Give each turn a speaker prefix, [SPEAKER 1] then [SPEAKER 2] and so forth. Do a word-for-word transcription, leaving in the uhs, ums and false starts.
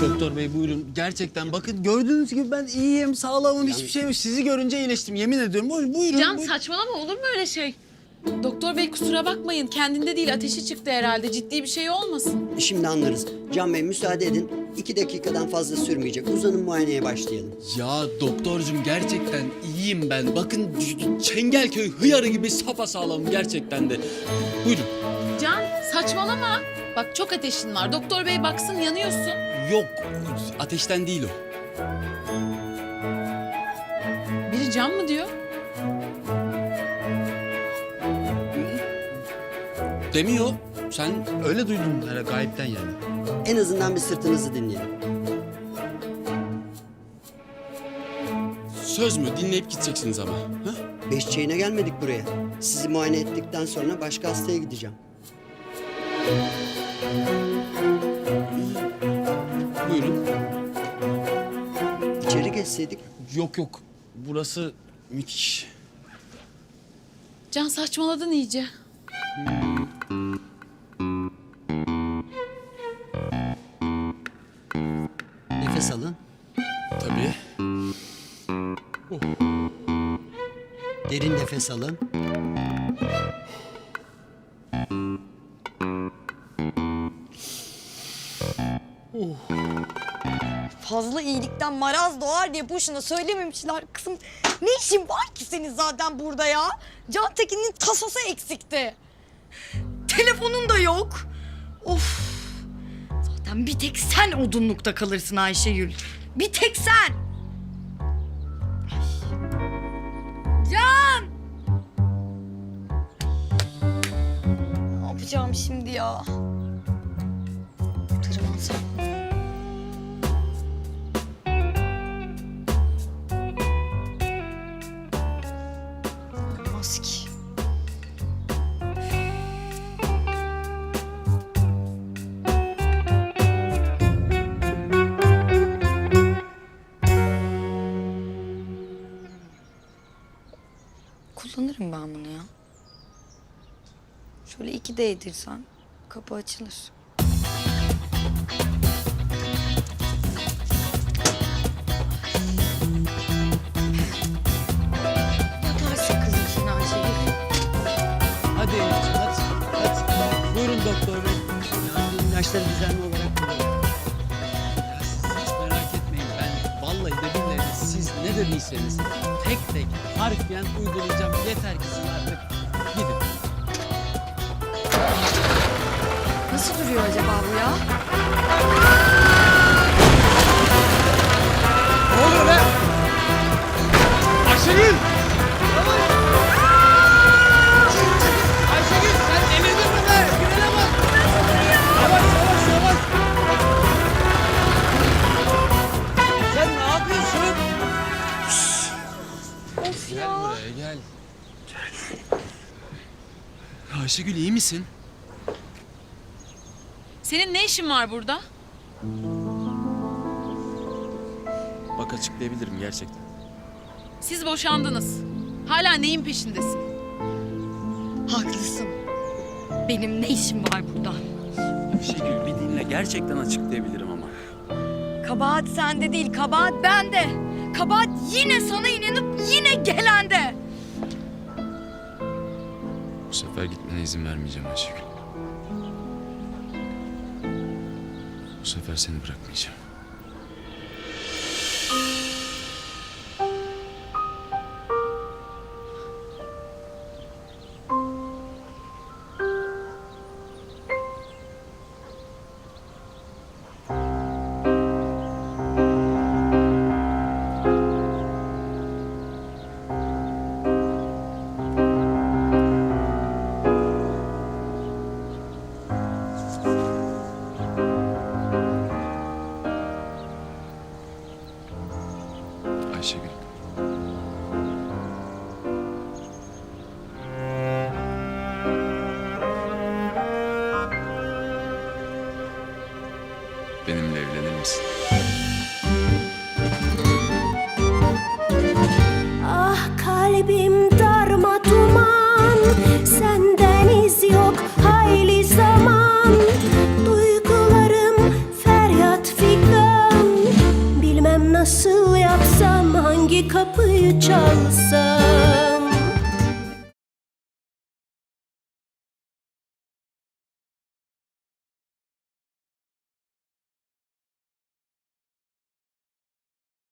[SPEAKER 1] Doktor bey buyurun. Gerçekten bakın gördüğünüz gibi ben iyiyim, sağlamım, hiçbir şey yok. Sizi görünce iyileştim yemin ediyorum. Buyurun. buyurun
[SPEAKER 2] Can
[SPEAKER 1] buyurun.
[SPEAKER 2] saçmalama, olur mu öyle şey? Doktor bey kusura bakmayın, kendinde değil, ateşi çıktı herhalde. Ciddi bir şey olmasın.
[SPEAKER 3] Şimdi anlarız. Can Bey müsaade edin. İki dakikadan fazla sürmeyecek. Uzanın, muayeneye başlayalım.
[SPEAKER 1] Ya doktorcum gerçekten iyiyim ben. Bakın Çengelköy hıyarı gibi sapasağlamım gerçekten de. Buyurun.
[SPEAKER 2] Can saçmalama. Bak çok ateşin var. Doktor bey baksın, yanıyorsun.
[SPEAKER 1] Yok ateşten değil o.
[SPEAKER 2] Biri can mı diyor?
[SPEAKER 1] Demiyor. Sen öyle duydun herhalde gayipten yani.
[SPEAKER 3] En azından bir sırtınızı dinleyelim.
[SPEAKER 1] Söz mü? Dinleyip gideceksiniz ama. Ha?
[SPEAKER 3] Beş çayına gelmedik buraya. Sizi muayene ettikten sonra başka hastaya gideceğim.
[SPEAKER 1] Buyurun.
[SPEAKER 3] İçeri geçseydik.
[SPEAKER 1] Yok yok. Burası müthiş.
[SPEAKER 2] Can saçmaladın iyice.
[SPEAKER 3] Nefes alın.
[SPEAKER 1] Tabii.
[SPEAKER 3] Derin nefes alın.
[SPEAKER 4] Fazla iyilikten maraz doğar diye boşuna söylememişler. Kızım ne işin var ki senin zaten burada ya? Can Tekin'in tasası eksikti. Telefonun da yok. Of. Zaten bir tek sen odunlukta kalırsın Ayşegül. Bir tek sen. Ay. Can! Ne yapacağım şimdi ya? Tırmansam. Olmaz ki. Kullanırım ben bunu ya. Şöyle iki değdirsen kapı açılır. Yatarsın kızım sen Ayşegül.
[SPEAKER 1] Hadi Elif'ciğim hadi. Hadi. Buyurun doktor bey.
[SPEAKER 3] Yani ilaçları düzenli olarak kullanın.
[SPEAKER 1] Ya siz hiç merak etmeyin. Ben vallahi de billahi de siz ne dediyseniz tek tek harfiyen uygulayacağım. Yeter ki siz artık gidin.
[SPEAKER 4] Nasıl duruyor acaba bu ya?
[SPEAKER 1] Ne oluyor be? Ayşegül! Ayşegül sen delirdin mi be? Frene bak! Yavaş yavaş yavaş! Sen ne yapıyorsun?
[SPEAKER 4] Of
[SPEAKER 1] Gel
[SPEAKER 4] ya.
[SPEAKER 1] buraya gel. Ayşegül iyi misin?
[SPEAKER 2] Senin ne işin var burada?
[SPEAKER 1] Bak açıklayabilirim gerçekten.
[SPEAKER 2] Siz boşandınız. Hala neyin peşindesin?
[SPEAKER 4] Haklısın. Benim ne işim var burada?
[SPEAKER 1] Ayşegül bir dinle gerçekten açıklayabilirim ama.
[SPEAKER 4] Kabahat sende değil, kabahat bende. Kabahat yine sana inanıp yine gelende.
[SPEAKER 1] Bu sefer gitmene izin vermeyeceğim Ayşegül. Bu sefer seni bırakmayacağım. Ayşegül. Benimle evlenir misin?
[SPEAKER 5] Ah kalbim darma duman, senden iz yok hayli zaman. Duygularım feryat figan. nasıl yapsam, hangi kapıyı çalsam?